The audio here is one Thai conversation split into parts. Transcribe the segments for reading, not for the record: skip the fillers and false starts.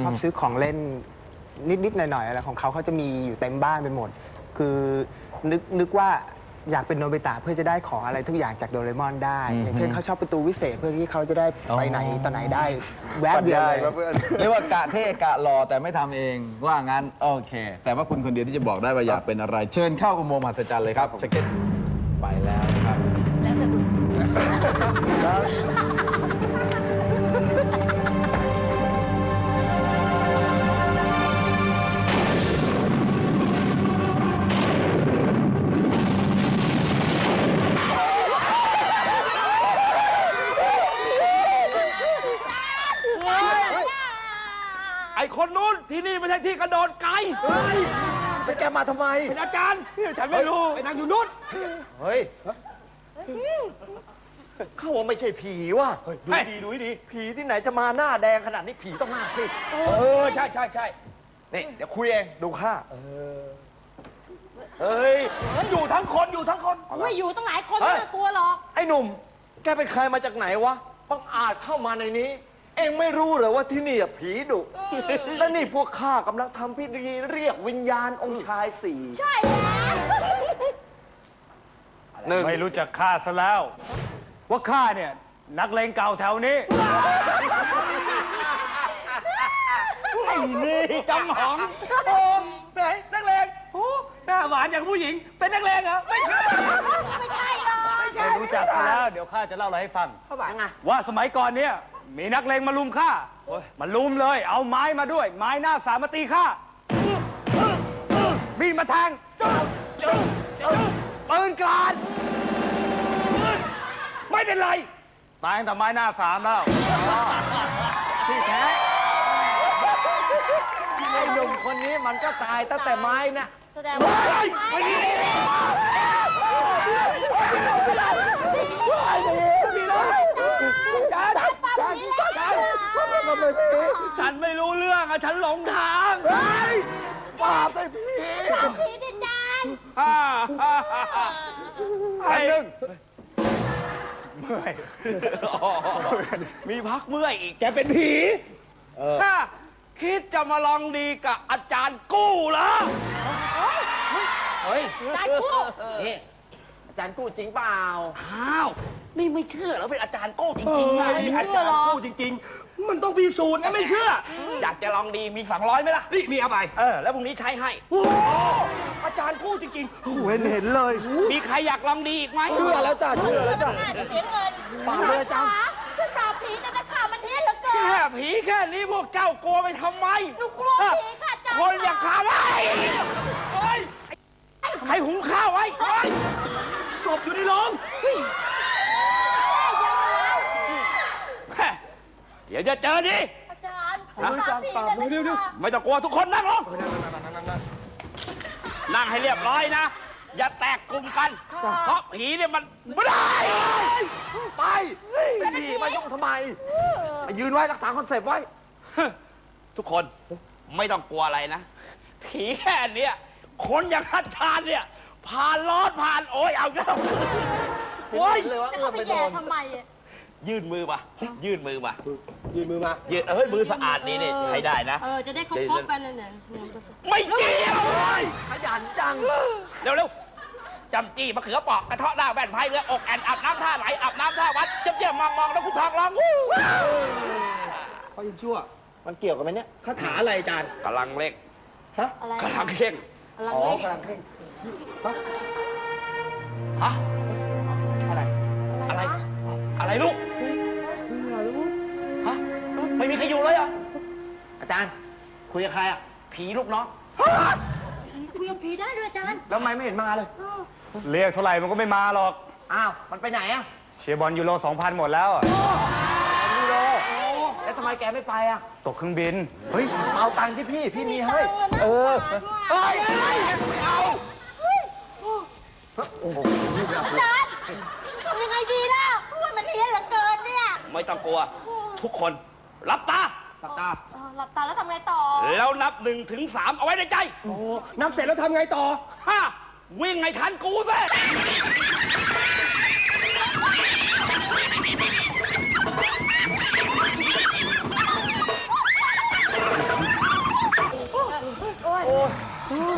ชอบซื้อของเล่นนิดๆหน่อยๆอะไรของเขาจะมีอยู่เต็มบ้านไปหมด คือนึกว่าอยากเป็นโนบิตะเพื่อจะได้ของอะไรทุกอย่างจากโดเรมอนได้อย่างเช่นเขาชอบประตูวิเศษเพื่อที่เขาจะได้ไปไหนต่อไหนได้แวบเดียวเลยเรียกว่ากะเท่กะหล่อแต่ไม่ทำเองว่างั้นโอเค แต่ว่าคุณคนเดียวที่จะบอกได้ว่าอยากเป็นอะไรเชิญเข้าอุโมงค์มหัศจรรย์เลยครับเช็คเก็ตไปแล้วนะครับแล้วจะดูไอ้คนนู้นที่นี่ไม่ใช่ที่กระโดดไกลไปแกมาทำไมเป็นอาจารย์ฉันไม่รู้ไปนั่งอยู่นู้นเฮ้ยเขาว่าไม่ใช่ผีว่ะดูดีผีที่ไหนจะมาหน้าแดงขนาดนี้ผีต้องหน้าซีดใช่นี่เดี๋ยวคุยเองดูข้าเฮ้ยอยู่ทั้งคนไม่อยู่ตั้งหลายคนไม่ต้องกลัวหรอกไอ้หนุ่มแกเป็นใครมาจากไหนวะบังอาจเข้ามาในนี้เองไม่รู้เหรอว่าที่นี่ผีดุและนี่พวกข้ากำลังทำพิธีเรียกวิญญาณองค์ชายสี่ใช่แล้วไม่รู้จักข้าซะแล้วว่าข้าเนี่ยนักเลงเก่าแถวนี้ไอ้นี่จำหองโอ้ไหนนักเลงโอ้หน้าหวานอย่างผู้หญิงเป็นนักเลงเหรอไม่ใช่ไม่ใช่หรอกไม่รู้จักซะแล้วเดี๋ยวข้าจะเล่าอะไรให้ฟังว่าสมัยก่อนเนี่ยมีนักเลงมาลุมข้ามาลุมเลยเอาไม้มาด้วยไม้หน้าสามมาตีข้ามีมาแทงปืนกลาดไม่เป็นไรตายตั้งแต่ไม้หน้าสามแล้วที่แท้ไอ้หนุ่มคนนี้มันก็ตายตั้งแต่ไม้นะแสดงว่าฉันไม่รู้เรื่องอะฉันหลงทางปราบไอ้ผีดิจานไอ้หนึ่งเมื่อยมีพักเมื่อยอีกแกเป็นผีคิดจะมาลองดีกับอาจารย์กู้เหรอเฮ้ยอาจารย์กู้นี่อาจารย์กู้จริงเปล่าอ้าวนี่ไม่เชื่อแล้วเป็นอาจารย์กู้จริงๆไงอาจารย์กู้จริงๆมันต้องพิสูจน์นะไม่เชื่ออยากจะลองดีมี200ไหมล่ะนี่มีเอาไปแล้วพรุ่งนี้ใช้ให้อาจารย์กู้จริงๆเห็นเลยมีใครอยากลองดีอีกไหมเชื่อแล้วจ้ะเชื่อแล้วจ้ะน่าจะเสียเงินป่าเลยจ้ะฉันปราบผีแต่ข่าวมันเท็จเหลือเกินแค่ผีแค่นี้พวกเจ้ากลัวไปทำไมหนูกลัวผีค่ะจ้าคนอย่างข้าไว้ใครหุงข้าวไว้ศพอยู่ในโรงเดี๋ยวจะเจอดิอาจารย์ปราบเร็วไม่ต้องกลัวทุกคนนั่งลงนั่งให้เรียบร้อยนะอย่าแตกกลุ่มกันเพราะผีเนี่ยมันไม่ได้ไปผีมายุ่งทำไมมายืนไว้รักษาคอนเซปต์ไว้ทุกคนไม่ต้องกลัวอะไรนะผีแค่เนี้ยคนอย่างทัดชาญเนี่ยผ่านร้อนผ่านโอ้ยเอาแล้วโอ้ยเลยว่าไปโดนทำไมยื่นมือมายื่นมือมายื่นมือสะอาดนี่เนี่ยใช้ได้นะจะได้ครบกันเลยเนี่ยไม่เกี่ยวขยันจังเร็วจำจี้มะเขือปอกกระเทาะหน้าแว่นไพ่เรืออกแอนอาบน้ำท่าไหลอาบน้ำท่าวัดเจ็บๆมองแล้วคุณทองร้องเขายังชั่วมันเกี่ยวกับไหมเนี่ยคาถาอะไรอาจารย์กำลังเล็กฮะกำลังเข่งกำลังเข่งฮะอะไรลูกฮะไม่มีใครอยู่เลยอ่ะอาจารย์คุยกับใครอ่ะผีลูกน้องคุยกับผีได้ด้วยอาจารย์แล้วทำไมไม่เห็นมาเลยเรียกเท่าไหร่มันก็ไม่มาหรอกอ้าวมันไปไหนอ่ะเชียร์บอลยูโร 2,000 หมดแล้วยูโรแล้วทำไมแกไม่ไปอ่ะตกเครื่องบินเฮ้ยเอาตังค์ที่พี่มีให้เฮ้ยไม่เอาอาจารย์ทำยังไงดีล่ะว่ามันเฮี้ยนเหลือเกินเนี่ยไม่ต้องกลัวทุกคนหลับตาหลับตาแล้วทำไงต่อแล้วนับ1 ถึง 3เอาไว้ในใจนับเสร็จแล้วทำไงต่อวิ่งให้ทันกูสิ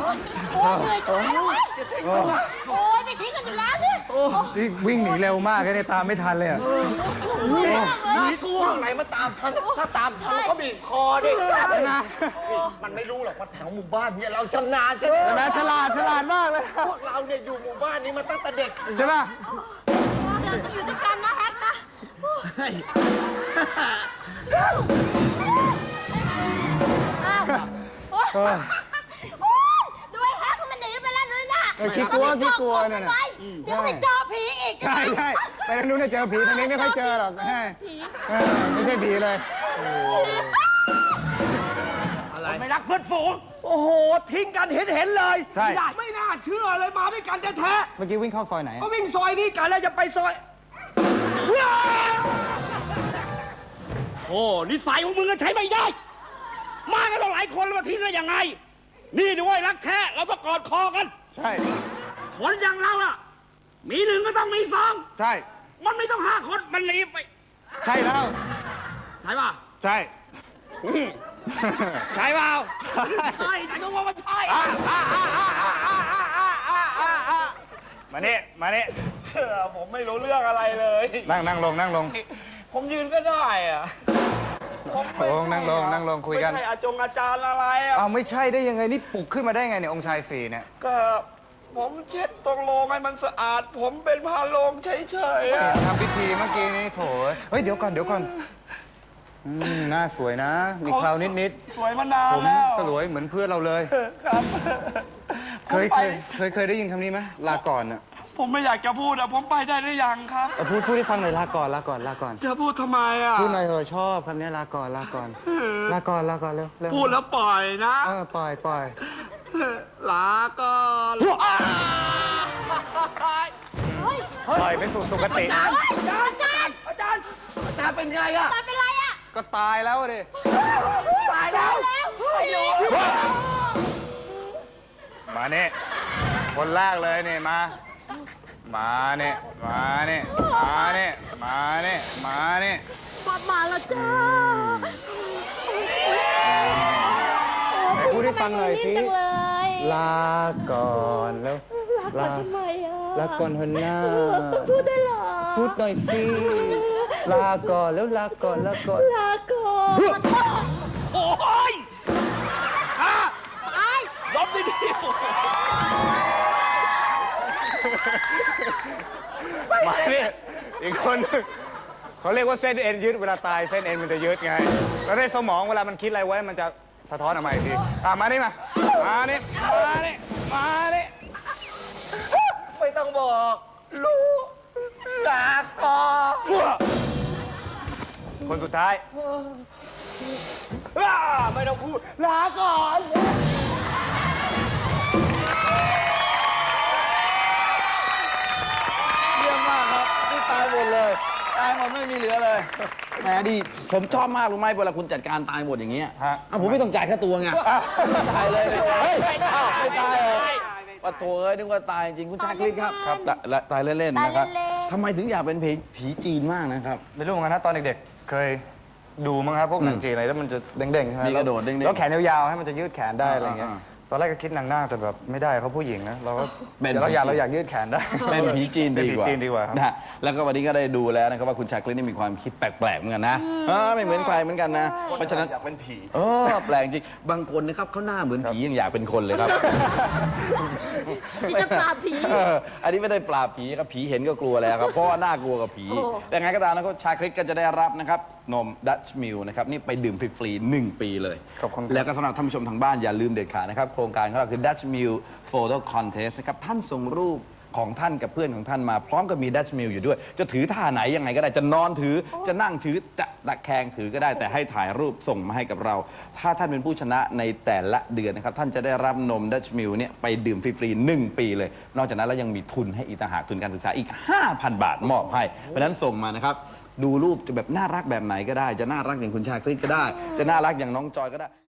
โอ้ยเหนื่อยจังเลยโอ้ยไม่ทิ้งกันอยู่แล้วเนี่ยนี่วิ่งหนีเร็วมากเลยตามไม่ทันเลยอะหนีกูข้างไหนมาตามทันถ้าตามทันมันก็บีบคอดิมันไม่รู้หรอกว่าแถวหมู่บ้านเนี่ยเราชำนาญใช่ไหมใช่ไหมฉลาดมากเลยพวกเราเนี่ยอยู่หมู่บ้านนี้มาตั้งแต่เด็กใช่ป่ะเดี๋ยวจะอยู่ด้วยกันนะแฮกนะอ้าวโอ๊ยดูไอ้แฮกมันหนีไปแล้วนู่นน่ะขี้กลัวเนี่ยนะเดี๋ยวไปเจอผีอีกใช่ไปทางนู้นจะเจอผีทางนี้ไม่ค่อยเจอหรอกไม่ใช่ผีเลยไม่รักเพื่อนฝูงโอ้โห ทิ้งกันเห็นเลยใช่ไม่น่าเชื่อเลยมาด้วยกันแท้เมื่อกี้วิ่งเข้าซอยไหนๆก็วิ่งซอยนี้กันแล้วจะไปซอยโอ้นิสัยของมึงก็ใช้ไม่ได้ มากันต้องหลายคนแล้วมาทิ้งได้ยังไง นี่ด้วยรักแท้เราต้องกอดคอกันใช่คนอย่างเราอะมีหนึ่งก็ต้องมีสองใช่มันไม่ต้อง5 คนมันหนีไปใช่แล้วใช่ป่ะใช่ใช่เปล่าใช่แต่ก็ว่ามันใช่มานี่ผมไม่รู้เรื่องอะไรเลยนั่งลงผมยืนก็ได้อะผมไม่ใช่นั่งลงคุยกันไม่ใช่อาจารย์อะไรอะเอาไม่ใช่ได้ยังไงนี่ปลุกขึ้นมาได้ไงเนี่ยองค์ชาย4เนี่ยก็ผมเช็ดตรงโลงให้มันสะอาด ผมเป็นพาโลงเฉยๆอะทำพิธีเมื่อกี้นี้โถเฮ้ยเดี๋ยวก่อนหน้าสวยนะ มีเคราวนิดสวยมานานผมแล้วสลวยเหมือนเพื่อนเราเลยครับเคยได้ยินคำนี้ไหมลาก่อนอ่ะผมไม่อยากจะพูดอะผมไปได้หรือยังครับพูดให้ฟังหน่อยลาก่อนจะพูดทำไมอะพูดหน่อยเถอะชอบคำนี้ลาก่อนลาก่อนเร็วพูดแล้วปล่อยนะปล่อยลาก่อนปล่อยไปสู่สุคติอาจารย์อาจารย์เป็นไงอะตายเป็นไรอ่ะก็ตายแล้วดิตายแล้วมาเนี่ยคนแรกเลยเนี่ยมาเนี่ยมาแล้วจ้าไหนพูดให้ฟังหน่อยสิจังเลยลาก่อนแล้วลาทำไมอ่ะลาก่อนเถอะหน้าต้องพูดได้เหรอพูดหน่อยสิลาก่อนแล้วลาก่อนลาก่อนโอ้ยอ่ะไอ้ยอมดีมาเนี่ยอีกคนนึงเขาเรียกว่าเส้นเอ็นยืดเวลาตายเส้นเอ็นมันจะยืดไงแล้วในสมองเวลามันคิดอะไรไว้มันจะสะท้อนออกมาอีกทีมานี่มานี่ๆไม่ต้องบอกรู้ลาก่อนคนสุดท้ายไม่ต้องพูดลาก่อนเยี่ยมมากครับนี่ตายหมดเลยตายหมดไม่มีเหลือเลยแหมดีผมชอบมากรู้ไหมเวลาคุณจัดการตายหมดอย่างเงี้ยฮะผมไม่ต้องจ่ายค่าตัวไงตายเลยเฮ้ยอ้าวไม่ตายเหรอปะโถเอ้ยนึกว่าตายจริงคุณชาคริตครับตายเล่นๆนะครับทำไมถึงอยากเป็นผีจีนมากนะครับไม่รู้เหมือนกันนะตอนเด็กๆเคยดูมั้งครับพวกหนังจีนอะไรแล้วมันจะเด้งๆใช่ไหมมีกระโดดเด้งๆแล้วแขนยาวๆให้มันจะยืดแขนได้อะไรเงี้ยอ่าตอนแรกก็คิดนางนาคแต่แบบไม่ได้เขาผู้หญิงนะเราก็เป็นเดี๋ยวเราอยากยืดแขนได้เป็นผีจีนเป็นดีผีกว่าจีนดีกว่าครับนะฮะแล้วก็วันนี้ก็ได้ดูแล้วนะครับว่าคุณชาคริตนี่มีความคิดแปลกๆเหมือนกันนะไม่เหมือนใครเหมือนกันนะ เพราะฉะนั้นอยากเป็นผีแปลกจริงบางคนนะครับเขาหน้าเหมือนผียังอยากเป็นคนเลยครับที่จะปราบผีอันนี้ไม่ได้ปราบผีครับผีเห็นก็กลัวแล้วครับเพราะว่าน่ากลัวกับผีโอ้แต่ไงก็ตามนะครับชาคริตก็จะได้รับนะครับนมดัชมิลนะครับนี่ไปดื่มฟรีๆ1 ปีเลยขอบคุณครับแล้วก็สำหรับท่านผู้ชมทางบ้านอย่าลืมเด็ดขาดนะครับโครงการของเราคือ Dutch Mill Photo Contest นะครับท่านส่งรูปของท่านกับเพื่อนของท่านมาพร้อมกับมี Dutch Mill อยู่ด้วย จะถือท่าไหนยังไงก็ได้จะนอนถือจะนั่งถือจะตะแคงถือก็ได้แต่ให้ถ่ายรูปส่งมาให้กับเรา ถ้าท่านเป็นผู้ชนะในแต่ละเดือนนะครับท่านจะได้รับนม Dutch Mill เนี่ยไปดื่มฟรีๆ1 ปีเลย นอกจากนั้นแล้วยังมีทุนให้อีกต่างหากทุนการศึกษาอีก 5,000 บาทมอบให้เพราะฉะนั้นส่งมานะครับดูรูปจะแบบน่ารักแบบไหนก็ได้ จะน่ารักอย่างคุณชาคริตก็ได้ จะน่ารักอย่างน้องจอยก็ได้